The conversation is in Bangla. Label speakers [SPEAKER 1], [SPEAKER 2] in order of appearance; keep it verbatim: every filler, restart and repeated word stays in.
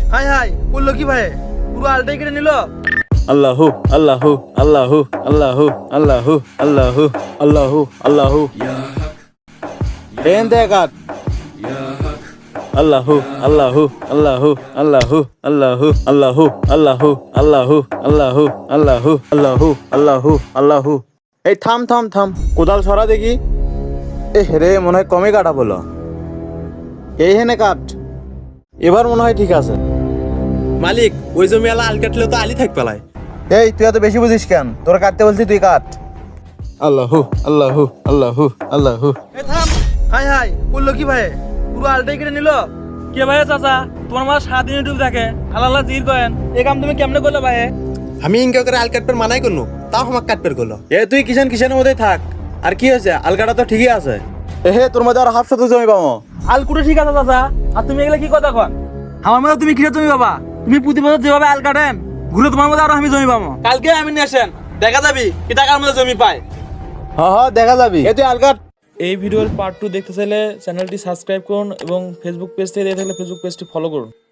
[SPEAKER 1] হাই হাই করলো কি ভাই, পুরো আলটাই কেটে নিল।
[SPEAKER 2] আল্লাহু আল্লাহু আল্লাহু আল্লাহু আল্লাহু আল্লাহু আল্লাহু আল্লাহু দেন দে কাট আল্লাহু আল্লাহু আল্লাহু আল্লাহু আল্লাহু আল্লাহু আল্লাহু আল্লাহু আল্লাহু আল্লাহু আল্লাহু আল্লাহু আল্লাহু এই থাম থাম থাম কোদাল সরা দেখি। এ রে মনে হয় কমে কাটা বলো, এই হেনে কাট, এবার মনে হয় ঠিক আছে।
[SPEAKER 1] মালিক ওই জমি আলা আল কাটলে তো আলি থাক পেলায়।
[SPEAKER 2] এই তুই এত বেশি বুঝিস কেন, তোর কাটতে বলছি তুই কাট। আল্লাহু আল্লাহু আল্লাহু আল্লাহু
[SPEAKER 1] এ থাম, হাই হাই করলো কি ভাই, পুরো আলটাই কেটে নিল। কে ভাই চাচা, তোমার মা সারাদিন ইউটিউব দেখে, আল্লাহ আল্লাহ জির করেন, এই কাম তুমি কেমনে করলে ভাই?
[SPEAKER 3] আমি ইনকা করে আল কাটপের মানাই করনু, তাও আমার কাটপের করলো।
[SPEAKER 2] এ তুই কিষান কিষানের মধ্যে থাক, আর কি হয়েছে আলকাটা তো ঠিকই আছে। এ হে তোর মধ্যে আর হাফ শতক জমি পাবো।
[SPEAKER 1] আল কুটে ঠিক আছে চাচা, আর তুমি এগুলা কি কথা কন? আমার মধ্যে তুমি কিরে জমি পাবা? তুমি প্রতি বছর যেভাবে আল কাটেন, ঘুরে তোমার মধ্যে আরো আমি জমি পাবো। কালকে আমি নিয়ে আসেন, দেখা যাবি কি টাকার মধ্যে জমি পায়।
[SPEAKER 2] হ হ দেখা যাবি। এ তুই আলকাট।
[SPEAKER 4] এই ভিডিওর পার্ট টু দেখতে চাইলে চ্যানেলটি সাবস্ক্রাইব করুন এবং ফেসবুক পেজ থেকে দেখে থাকলে ফেসবুক পেজটি ফলো করুন।